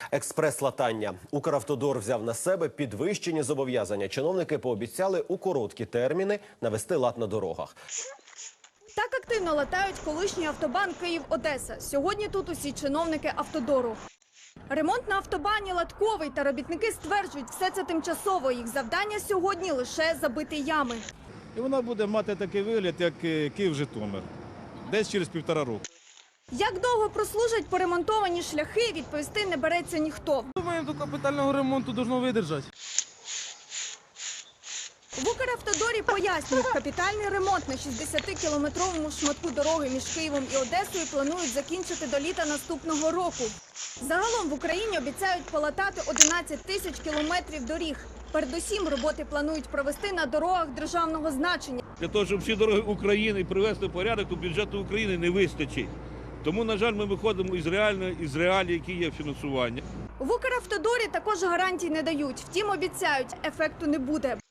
Експрес-латання. Укравтодор взяв на себе підвищені зобов'язання. Чиновники пообіцяли у короткі терміни навести лад на дорогах. Так активно латають колишній автобан Київ-Одеса. Сьогодні тут усі чиновники автодору. Ремонт на автобані латковий, та робітники стверджують, все це тимчасово. Їх завдання сьогодні лише забити ями. І вона буде мати такий вигляд, як Київ-Житомир, десь через 1,5 року. Як довго прослужать поремонтовані шляхи, відповісти не береться ніхто. Думаю, до капітального ремонту должно видержати. В Укравтодорі пояснюють, капітальний ремонт на 60-кілометровому шматку дороги між Києвом і Одесою планують закінчити до літа наступного року. Загалом в Україні обіцяють полатати 11 тисяч кілометрів доріг. Передусім роботи планують провести на дорогах державного значення. Для того, щоб всі дороги України привести в порядок, то бюджету України не вистачить. Тому, на жаль, ми виходимо із реалій, які є фінансування. В Укравтодорі також гарантій не дають. Втім, обіцяють, ефекту не буде.